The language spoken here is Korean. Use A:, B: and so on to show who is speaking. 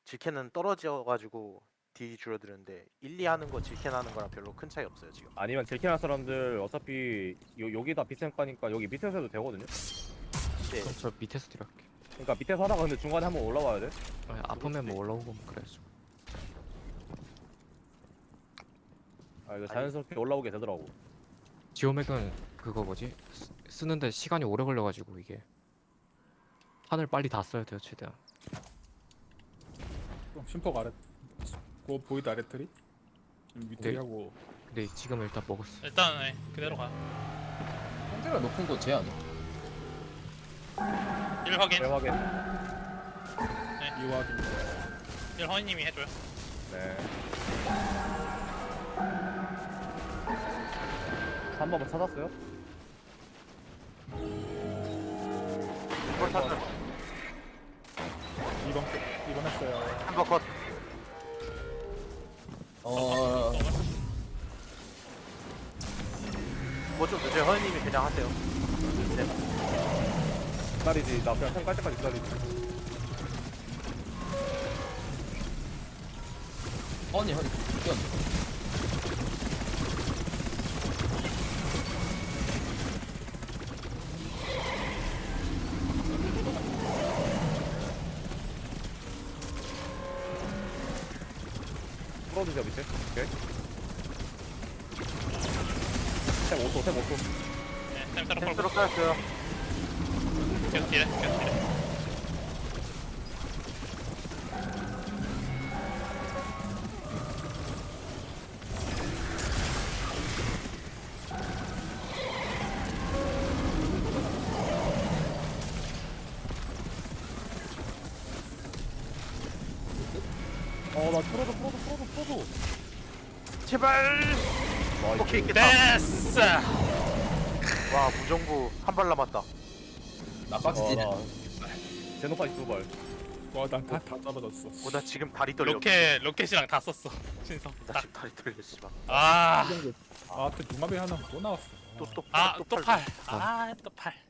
A: 질캔은 떨어져가지고 딜이 줄어드는데 1, 2 하는 거 질캔 하는 거랑 별로 큰 차이 없어요 지금.
B: 아니면 질키는 사람들 어차피 여기다 비센가니까 여기 밑에서 해도 되거든요.
A: 네.
C: 그럼 저 밑에서 딜할게.
B: 그러니까 밑에서 하다가 근데 중간에 한번 올라와야 돼.
C: 아니, 아프면 뭐 올라오고 그래야죠.
B: 아 이거 자연스럽게 올라오게 되더라고.
C: 지오맥은 그거 뭐지? 쓰는데 시간이 오래 걸려가지고 이게 판을 빨리 다 써야 돼요 최대한.
D: 심퍼가 아래 그거 보이드 아래 트리? 밑에
C: 네.
D: 하고
C: 근데 지금 일단 먹었어.
E: 일단 네, 그대로 가.
F: 상대가 높은 거 쟤 아니야?
E: 1 확인.
B: 대화게.
D: 이와기
E: 1 허니님이 해줘요.
B: 네. 3번을 찾았어요?
A: 볼 탔어.
D: 2번 했어요.
A: 한번 컷. 뭐좀 늦어요. 허니님이 그냥 하세요. 네.
B: 기다리지. 나 그냥 탱깔 때까지 기다리지.
F: 허니 뛰었네.
B: 풀어주세요 밑에. 오케이. 템 5초, 템 5초.
E: 네, 템 따로
A: 센스로
E: 걸고.
A: 깔았어요.
E: 계속 딜해, 계속 딜해.
B: 나 풀어줘.
A: 제발.
B: 와,
A: 오케이 있겠다.
E: 됐어!
A: 와 무정부 한 발 남았다.
F: 나 박스지.
B: 제노파이 2발.
D: 와난다 떨어졌어.
A: 나 지금 다리 떨려.
E: 로켓이랑 다 썼어. 신성.
A: 나 지금 다리 떨려 씨발.
E: 아,
D: 아, 또 융합이 하나 또 나왔어.
A: 또
E: 또 팔. 아, 또 팔.